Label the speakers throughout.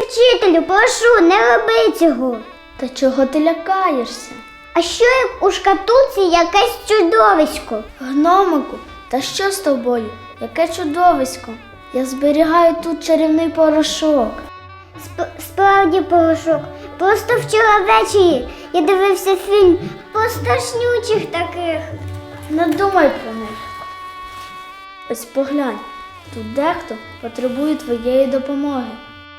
Speaker 1: Вчителю, прошу, не роби цього.
Speaker 2: Та чого ти лякаєшся?
Speaker 1: А що як у шкатулці якесь чудовисько?
Speaker 2: Гномику, та що з тобою? Яке чудовисько? Я зберігаю тут чарівний порошок.
Speaker 1: Справді, порошок. Просто вчора ввечері я дивився фільм про страшнючих таких.
Speaker 2: Не думай про них. Ось поглянь, тут дехто потребує твоєї допомоги.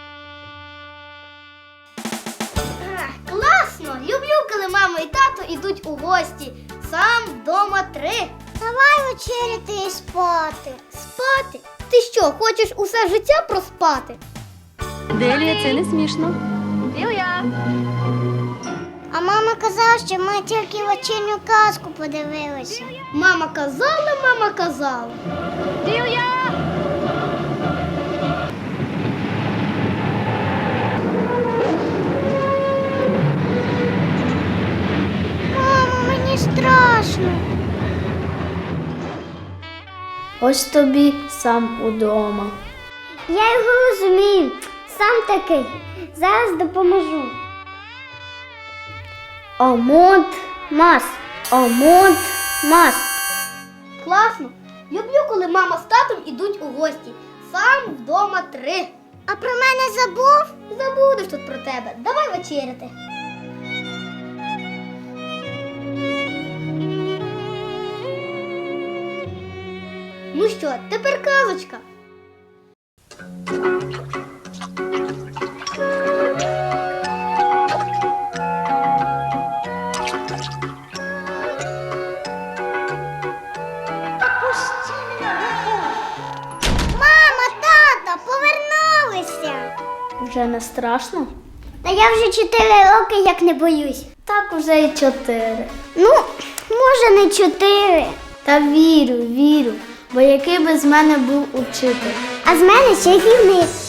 Speaker 3: Класно! Люблю, коли мама і тато йдуть у гості. Сам вдома 3.
Speaker 1: Давай вечеряти і спати.
Speaker 3: Спати? Ти що, хочеш усе життя проспати?
Speaker 4: Делія, це не смішно.
Speaker 3: Лілія!
Speaker 1: А мама казала, що ми тільки вечірню казку подивилися.
Speaker 3: Мама казала.
Speaker 4: Лілія!
Speaker 1: Мамо, мені страшно.
Speaker 2: Ось тобі сам удома.
Speaker 1: Я його розумію. Сам такий. Зараз допоможу. Омут мас. Омут мас.
Speaker 3: Класно! Люблю, коли мама з татом ідуть у гості. Сам вдома 3.
Speaker 1: А про мене забув?
Speaker 3: Забудеш тут про тебе. Давай вечеряти. Ну що, тепер казочка.
Speaker 1: Мама, тато, повернулися.
Speaker 2: Вже не страшно?
Speaker 1: Та я вже 4 роки як не боюсь.
Speaker 2: Так уже і 4.
Speaker 1: Ну, може не 4.
Speaker 2: Та вірю, бо який би з мене був учитель.
Speaker 1: А з мене чарівник.